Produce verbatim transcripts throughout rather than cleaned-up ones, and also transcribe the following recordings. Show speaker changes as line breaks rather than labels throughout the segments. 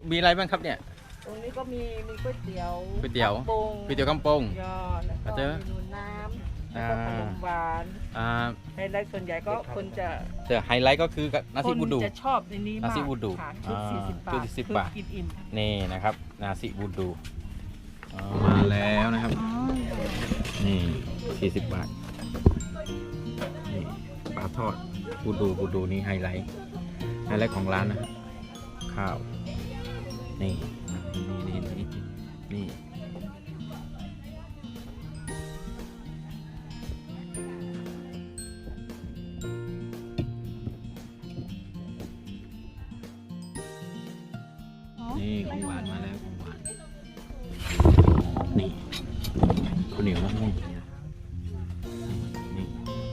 มีอะไรบ้างครับเนี่ย
ตรงนี้ก็มีมีก๋วยเตี๋ยว
ก๋วยเตี๋ยว
กำปง
ก๋วยเตี๋ยวกำปง
ยอแล้วก็
เจอ
เมนูน้ำแล้วก็ขนมหวาน
อ่า
ไฮไลท์ส่วนใหญ่ก็คนจะ
แต่ไฮไลท์ก็คือนาซิบูดู
คนจะชอบในนี้มาก
นาซิบูดู
ค่ะชุด
อ่า
สี่สิบบา
ชุ
ท
ดสี่สิบ
คือบ
าท
กินอิ่ม
นี่นะครับนาซิบูดูอ๋อมาแล้วนะครับนี่สี่สิบบาทนี่ปลาทอดบูดูบูดูนี่ไฮไลท์ไฮไลท์ของร้านนะข้าวนี่นี่นี่นี่นี่นี่ของหวานมาแล้วของหวานนี่ข้าวเหนียวมะม่วงนี่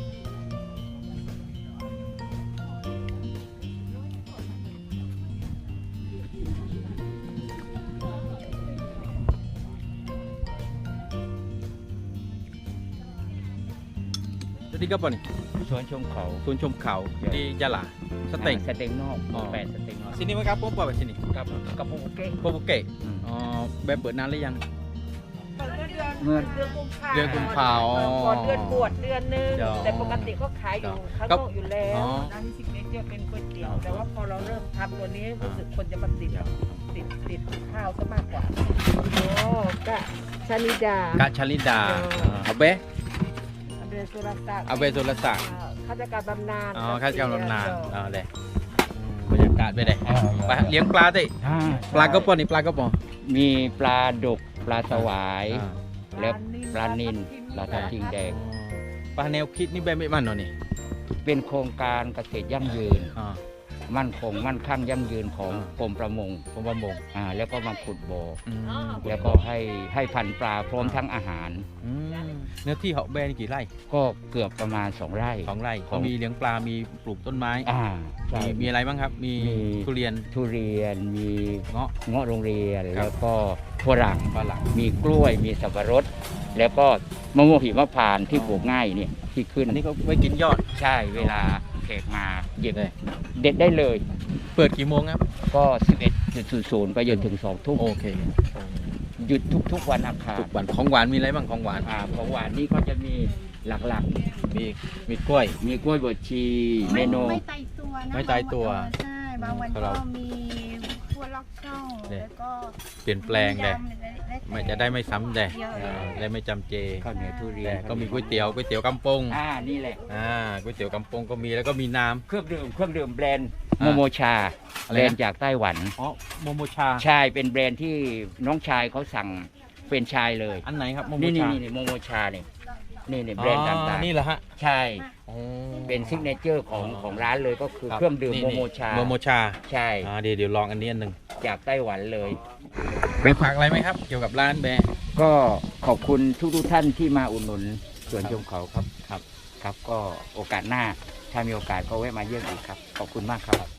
jadi apa nih?
ชวนชมเขา
Sun Chom Khao di Jala สเต็ง
สเต็งนอก
อ๋อ
แปดสเต็งนอก
sini mereka apa apa sini
กับกับโปเกะ
โปโปเกะอ๋อแบบเปิดนานหรือยัง
เปิดเดือน
เมื่อ
เดือนกุมภา
เดือนกุมภา
ก่อนก่อนเดือนบวชเดือนหนึง
เดี๋ยว
แต่ปกติก็ขายอยู่ข้าง
ครั
น
บ
อกอยู่แล้ว
อ๋อ
ร้านนี้ซิกเนเจอร์เป็นก๋วยเตี๋ยว
อ๋อ
แต่ว่าพอเราเริ่มทำตัวนี้รู้สึกคนจะมาติดติดติดข้าวซะมากกว่าโอ้กะชานิดาก
ะชลิดา
เดี๋ยว
อาเบะ
อเบสุรศักดิ์
อาเบสุรศักดิ์
อ่าข้าราชการบำนาญ
อ๋อข้าราชการบำนาญ
เดี๋ยว
อ๋อเลยบรรยากาศไปเลยไปเลี้ยงปลาดิปลากระป๋องนี่ปลากระป๋อง
มีปลาดุกปลาสวาย
อ่า
แล้วปลานิลปลาทับทิมแดง
ปลาแนวคิดนี่แบบไม่มันเนาะนี่
เป็นโครงการเกษตรยั่งยืน
อ๋อ
มั่นคงมั่นคั่งยั่งยืนของ
อ่าก
รมประมง
ผมประมง
อ่าแล้วก็มาขุดบ่อ
อืม
แล้วก็ให้ให้พันธุ์ปลาพร้อมทั้งอาหาร
อืมเนื้อที่เหาะแบนี่กี่ไร่
ก็เกือบประมาณสองไร่
สองไร่
ขอ
เขา
ง
มีเลี้ยงปลา มีปลูกต้นไม้
อ่าใช่
มีมีอะไรบ้างครับ มี
มี
ทุเรียน
ทุเรียนมี
เงาะ
เงาะโรงเรียน
ครับ
แล้วก็ฝรั่ง
ฝรั่ง
มีกล้วยมีสับปะรด แล้วก็มะม่วงหิมพานต์ที่ปลูกง่ายเนี่ยที่ขึ้น
อันนี้ก็ไว้กินยอด
ใช่เวลาแขกมาหยิบ
เลย
เด็ดได้เลย
เปิดกี่โมงครับ
ก็ สิบเอ็ดจุดศูนย์ ไปจนถึงสองทุ่ม
โอเค
หยุดทุกๆวันอังคาร
ทุกวันของหวานมีอะไรบ้างของหวาน
อ่าของหวานนี่ก็จะมีหลัก
มีมีกล้วย
ๆ มีกล้วยบดชีเม
ไม่
นู
ไม่ตายตัวนะ
ไม่ตายตัว
บางนเออใช่บางวัน
ของเรา
ก็มีพวกล็อกช่อง
เนี่ย
แล้วก็
เปลี่ยนแปลงเลย
ยำและและ
ไม่จะได้ไม่ซ้ำเลย
เยอะ
เออได้ไม่จำเจ
ข้าวเหนียวทุเรีย
แต่
น
ก็มีก๋วยเตี๋ยวก๋วยเตี๋ยวกำปง
อ่านี่แหละ
อ่าก๋วยเตี๋ยวกำปงก็มีแล้วก็มีน้
เครื่องดื่มเครื่องดื่มแบรนด์
อ่า
โมโมชา
อะไรนะ
แบรนด์จากไต้หวัน
ำอ๋อโมโมชา
ใช่เป็นแบรนด์ที่น้องชายเขาสั่งเป็นชายเลย
อันไหนครับโมโม
นี่นี่
ชา
นี่โมโมชาเนี่ยนี่นี่แบรนด์
อ๋อ
ต่าง
นี่เหรอฮะ
ๆ ใช่
อ๋อ
เป็นซิกเนเจอร์ของ
อ๋อ
ของร้านเลยก็คือ
รับ
เครื่องดื่ม
นี่
โม
นี่
โมชา
โมโมชา
ใช่
อ่าเดี๋ยวเดี๋ยวลองอันนี้อันหนึ่ง
จากไต้หวันเลย
ไปฝากอะไรไหมครับ เกี่ยวกับร้านแบร์
ก็ขอบคุณทุกทุกๆท่านที่มาอุดหนุนสวนชมเขาครับครับครับ ก็โอกาสหน้าถ้ามีโอกาสก็แวะมาเยี่ยมอีกครับ ขอบคุณมากครับ